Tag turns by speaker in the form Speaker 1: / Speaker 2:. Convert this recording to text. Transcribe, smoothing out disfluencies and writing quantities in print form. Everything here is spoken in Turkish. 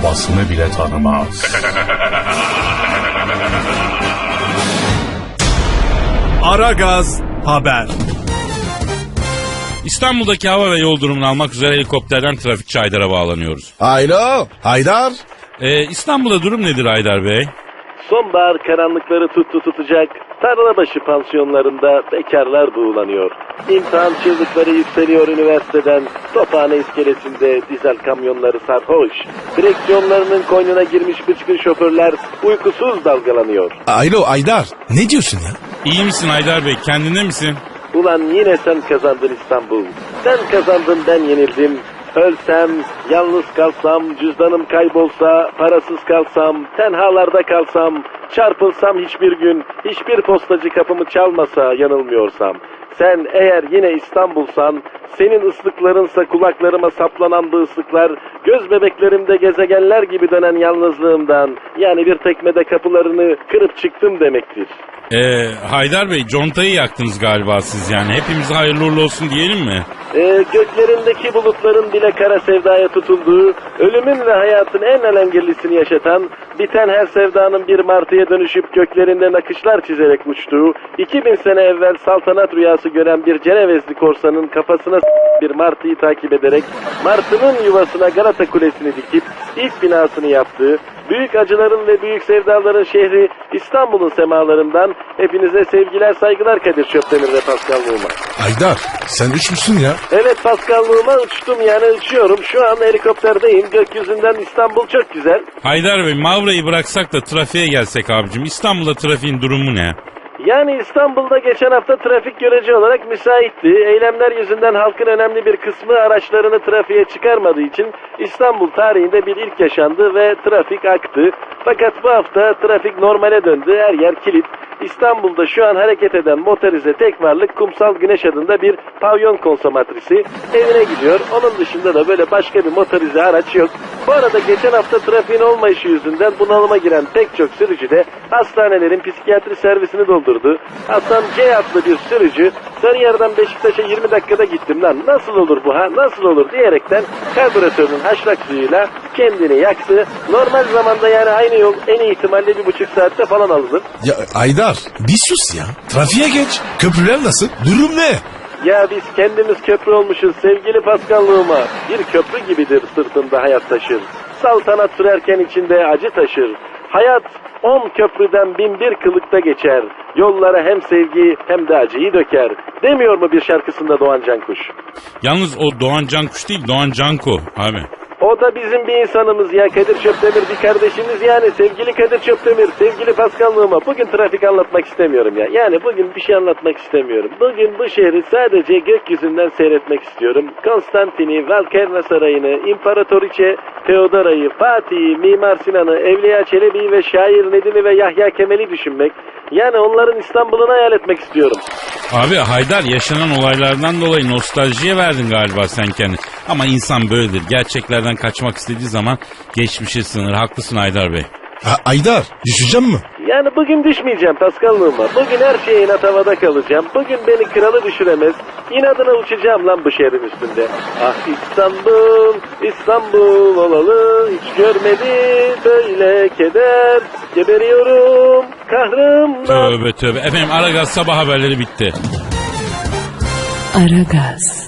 Speaker 1: babasını bile tanımaz.
Speaker 2: Aragaz Haber.
Speaker 3: İstanbul'daki hava ve yol durumunu almak üzere helikopterden trafikçi Haydar'a bağlanıyoruz.
Speaker 4: Alo Haydar.
Speaker 3: İstanbul'da durum nedir Haydar Bey?
Speaker 5: Sonbahar karanlıkları tutacak. Tarlabaşı pansiyonlarında bekarlar buğulanıyor. İmtihan çığlıkları yükseliyor üniversiteden. Tophane iskelesinde dizel kamyonları sarhoş. Direksiyonlarının koynuna girmiş bıçkın şoförler uykusuz dalgalanıyor.
Speaker 4: Alo Haydar. Ne diyorsun ya?
Speaker 3: İyi misin Haydar Bey? Kendinde misin?
Speaker 5: Ulan yine sen kazandın İstanbul. Sen kazandın, ben yenildim. Ölsem, yalnız kalsam, cüzdanım kaybolsa, parasız kalsam, tenhalarda kalsam, çarpılsam hiçbir gün, hiçbir postacı kapımı çalmasa yanılmıyorsam. Sen eğer yine İstanbul'san, senin ıslıklarınsa kulaklarıma saplanan bu ıslıklar, göz bebeklerimde gezegenler gibi dönen yalnızlığımdan, yani bir tekmede kapılarını kırıp çıktım demektir.
Speaker 3: Haydar Bey, contayı yaktınız galiba siz yani. Hepimize hayırlı uğurlu olsun diyelim mi?
Speaker 5: Göklerindeki bulutların bile kara sevdaya tutulduğu, ölümün ve hayatın en alengirlisini yaşatan, biten her sevdanın bir martıya dönüşüp göklerinde nakışlar çizerek uçtuğu, 2000 sene evvel saltanat rüyası gören bir Cenevezli korsanın kafasına bir martıyı takip ederek, martının yuvasına Galata Kulesi'ni dikip ilk binasını yaptığı, büyük acıların ve büyük sevdaların şehri İstanbul'un semalarından hepinize sevgiler, saygılar Kadir Çöptemir ve Pascal Numa.
Speaker 4: Haydar sen uçmuşsun ya.
Speaker 5: Evet Pascal Numa, uçtum yani uçuyorum. Şu an helikopterdeyim. Gökyüzünden İstanbul çok güzel.
Speaker 3: Haydar Bey, Mavra'yı bıraksak da trafiğe gelsek abicim. İstanbul'da trafiğin durumu ne?
Speaker 5: Yani İstanbul'da geçen hafta trafik görece olarak müsaitti. Eylemler yüzünden halkın önemli bir kısmı araçlarını trafiğe çıkarmadığı için İstanbul tarihinde bir ilk yaşandı ve trafik aktı. Fakat bu hafta trafik normale döndü. Her yer kilit. İstanbul'da şu an hareket eden motorize tek varlık Kumsal Güneş adında bir pavyon konsomatrisi evine gidiyor. Onun dışında da böyle başka bir motorize araç yok. Bu arada geçen hafta trafiğin olmayışı yüzünden bunalıma giren pek çok sürücü de hastanelerin psikiyatri servisini doldurdu. Hasan C adlı bir sürücü, Sarıyer'den Beşiktaş'a 20 dakikada gittim lan, nasıl olur bu ha, nasıl olur diyerekten karbüratörünün haşlak suyuyla kendini yaktı. Normal zamanda yani aynı yol en iyi ihtimalle 1,5 saatte falan alınır.
Speaker 4: Ya Haydar bir sus ya. Trafiğe geç. Köprüler nasıl? Durum ne?
Speaker 5: Ya biz kendimiz köprü olmuşuz sevgili Pascal'lığıma. Bir köprü gibidir sırtında hayat taşır. Saltanat sürerken içinde acı taşır. Hayat 10 köprüden 1001 kılıkta geçer. Yollara hem sevgi hem de acıyı döker. Demiyor mu bir şarkısında Doğan Cankuş?
Speaker 3: Yalnız o Doğan Cankuş değil, Doğan Canko abi.
Speaker 5: O da bizim bir insanımız ya, Kadir Çöptemir bir kardeşimiz yani, sevgili Kadir Çöptemir, sevgili Pascal'lığıma. Bugün trafik anlatmak istemiyorum ya. Yani bugün bir şey anlatmak istemiyorum. Bugün bu şehri sadece gökyüzünden seyretmek istiyorum. Konstantin'i, Valkerna Sarayı'nı, İmparatoriçe Teodora'yı, Fatih'i, Mimar Sinan'ı, Evliya Çelebi'yi ve şair Nedim'i ve Yahya Kemal'i düşünmek. Yani onların İstanbul'unu hayal etmek istiyorum.
Speaker 3: Abi Haydar, yaşanan olaylardan dolayı nostaljiye verdin galiba sen kendini. Ama insan böyledir. Gerçeklerden kaçmak istediği zaman geçmişe sığınır. Haklısın Haydar Bey.
Speaker 4: Haydar düşeceğim mi?
Speaker 5: Yani bugün düşmeyeceğim Pascal'lığıma. Bugün her şeye inat havada kalacağım. Bugün beni kralı düşüremez. İnadına uçacağım lan bu şehrin üstünde. Ah İstanbul, İstanbul olalı. Hiç görmedi böyle keder. Geberiyorum kahrımdan.
Speaker 3: Tövbe tövbe. Efendim Aragaz sabah haberleri bitti.
Speaker 6: Aragaz.